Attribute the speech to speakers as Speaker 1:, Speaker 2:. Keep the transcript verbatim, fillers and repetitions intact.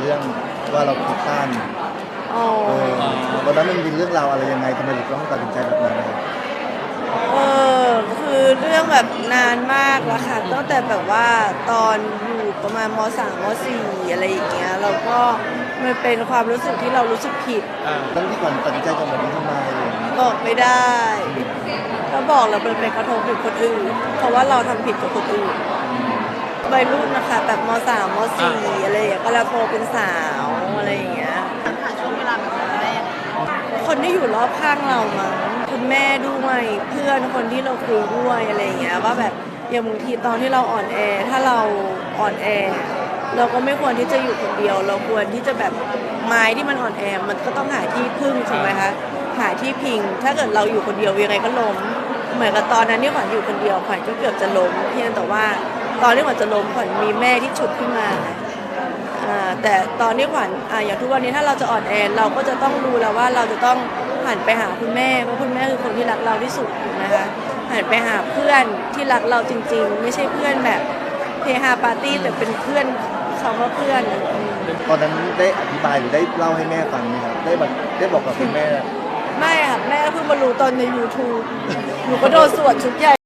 Speaker 1: เรื่องว่าเราคิดสั้น
Speaker 2: อ๋อ
Speaker 1: เออตอนนั้นมันมีเรื่องราวอะไรยังไงทำไมถึงต้องตัดสินใจแบบนั้น
Speaker 2: เออคือเรื่องแบบนานมากแล้วค่ะตั้งแต่แบบว่าตอนอยู่ประมาณมสามมสี่อะไรอย่างเงี้ยเราก็มันเป็นความรู้สึกที่เรารู้สึกผิด
Speaker 1: ตั้งที่ก่อนตัดสินใจจะแบบนี้ทำไมอะไรอย่างเงี้ย
Speaker 2: บอกไม่ได้ถ้าบอกแล้วมันเป็นกระทบถึงคนอื่นเพราะว่าเราทำผิดกับคนอื่นวัยรุ่นนะคะแบบมสามมสี่อะไรอย่างเงี้ยก็แล้วโตเป็นสาวอะไรอย่างเงี้ย
Speaker 3: ผ่านช่วงเวลาแบบนั้นได้ยังไง
Speaker 2: คนที่อยู่รอบข้างเรามั้งคุณแม่ด้วยเพื่อนคนที่เราคุยด้วยอะไรอย่างเงี้ยว่าแบบอย่างบางทีตอนที่เราอ่อนแอถ้าเราอ่อนแอเราก็ไม่ควรที่จะอยู่คนเดียว เราควรที่จะแบบไม้ที่มันอ่อนแอมันก็ต้องหาที่พึ่งถูกไหมคะหาที่พิง ถ้าเกิดเราอยู่คนเดียวยังไงก็ล้มเหมือนกับตอนนั้นที่ขวัญอยู่คนเดียวขวัญก็เกือบจะล้มเพียงแต่ว่าตอนที่ขวัญจะล้มขวัญมีแม่ที่ฉุดขึ้นมา อ่าแต่ตอนที่ขวัญอ่าอย่างทุกวันนี้ถ้าเราจะอ่อนแอเราก็จะต้องรู้แล้วว่าเราจะต้องหันไปหาคุณแม่เพราะคุณแม่คือคนที่รักเราที่สุดนะคะหันไปหาเพื่อนที่รักเราจริงๆไม่ใช่เพื่อนแบบเฮฮาปาร์ตี้แต่เป็นเพื่อนเขาว่าเพื่อนอืม
Speaker 1: ตอนนั้นได้อธิบายหรือได้เล่าให้แม่ฟังไหมครับได้แบบได้บอกกับคุณแม่
Speaker 2: ไม่ค่ะแม่เพิ่งมารู้ตอนใน ยูทูบ หนูก็โดนสวดชุดใหญ่